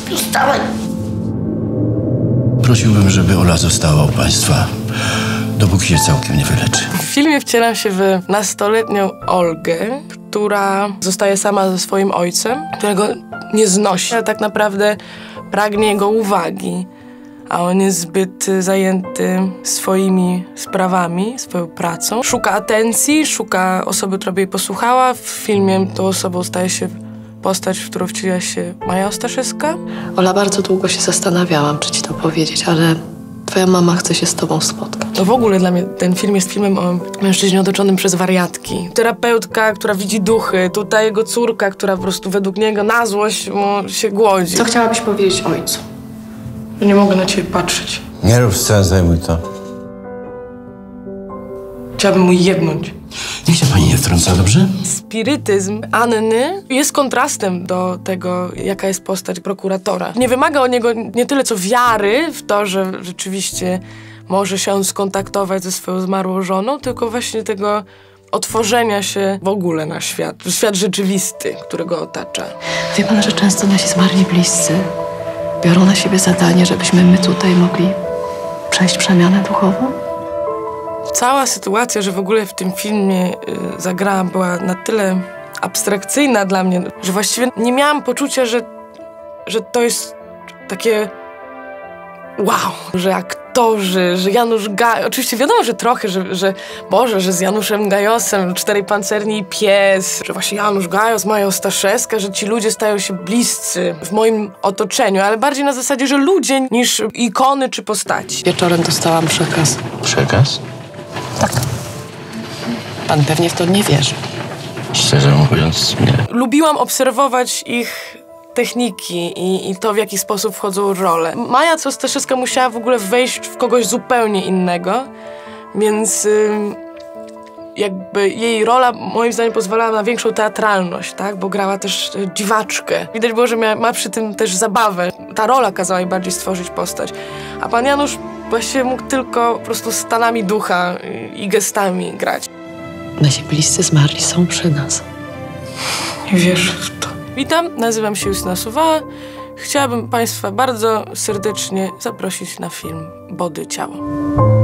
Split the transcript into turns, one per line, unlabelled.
Wstawaj!
Prosiłbym, żeby Ola została u państwa, dopóki się całkiem nie wyleczy.
W filmie wcielam się w nastoletnią Olgę, która zostaje sama ze swoim ojcem, którego nie znosi, ale tak naprawdę pragnie jego uwagi, a on jest zbyt zajęty swoimi sprawami, swoją pracą. Szuka atencji, szuka osoby, która by jej posłuchała. W filmie tą osobą staje się postać, w którą wciela się Maja Ostaszewska.
Ola, bardzo długo się zastanawiałam, czy ci to powiedzieć, ale twoja mama chce się z tobą spotkać.
No w ogóle dla mnie ten film jest filmem o mężczyźnie otoczonym przez wariatki. Terapeutka, która widzi duchy, tutaj jego córka, która po prostu według niego na złość mu się głodzi.
Co chciałabyś powiedzieć ojcu?
Że nie mogę na ciebie patrzeć.
Nie rób scen, zajmuj to.
Chciałabym mu jebnąć.
Niech się pani nie wtrąca, dobrze?
Spirytyzm Anny jest kontrastem do tego, jaka jest postać prokuratora. Nie wymaga od niego nie tyle co wiary w to, że rzeczywiście może się on skontaktować ze swoją zmarłą żoną, tylko właśnie tego otworzenia się w ogóle na świat. Świat rzeczywisty, który go otacza.
Wie pan, że często nasi zmarli bliscy biorą na siebie zadanie, żebyśmy my tutaj mogli przejść przemianę duchową?
Cała sytuacja, że w ogóle w tym filmie zagrałam, była na tyle abstrakcyjna dla mnie, że właściwie nie miałam poczucia, że to jest takie wow, że aktorzy, że Janusz Gajos, oczywiście wiadomo, że trochę, że z Januszem Gajosem, Czterej Pancerni i Pies, że właśnie Janusz Gajos, Maja Ostaszewska, że ci ludzie stają się bliscy w moim otoczeniu, ale bardziej na zasadzie, że ludzie niż ikony czy postaci.
Wieczorem dostałam przekaz.
Przekaz?
Tak. Pan pewnie w to nie wierzy.
Szczerze mówiąc, nie.
Lubiłam obserwować ich techniki i to, w jaki sposób wchodzą w rolę. Maja Ostaszewska musiała w ogóle wejść w kogoś zupełnie innego, więc jakby jej rola moim zdaniem pozwalała na większą teatralność, tak? Bo grała też dziwaczkę. Widać było, że ma przy tym też zabawę. Ta rola kazała jej bardziej stworzyć postać. A pan Janusz właściwie mógł tylko po prostu stanami ducha i gestami grać.
Nasi bliscy zmarli są przy nas.
Nie wierzę w to. Witam, nazywam się Justyna Suwała. Chciałabym państwa bardzo serdecznie zaprosić na film Body Ciało.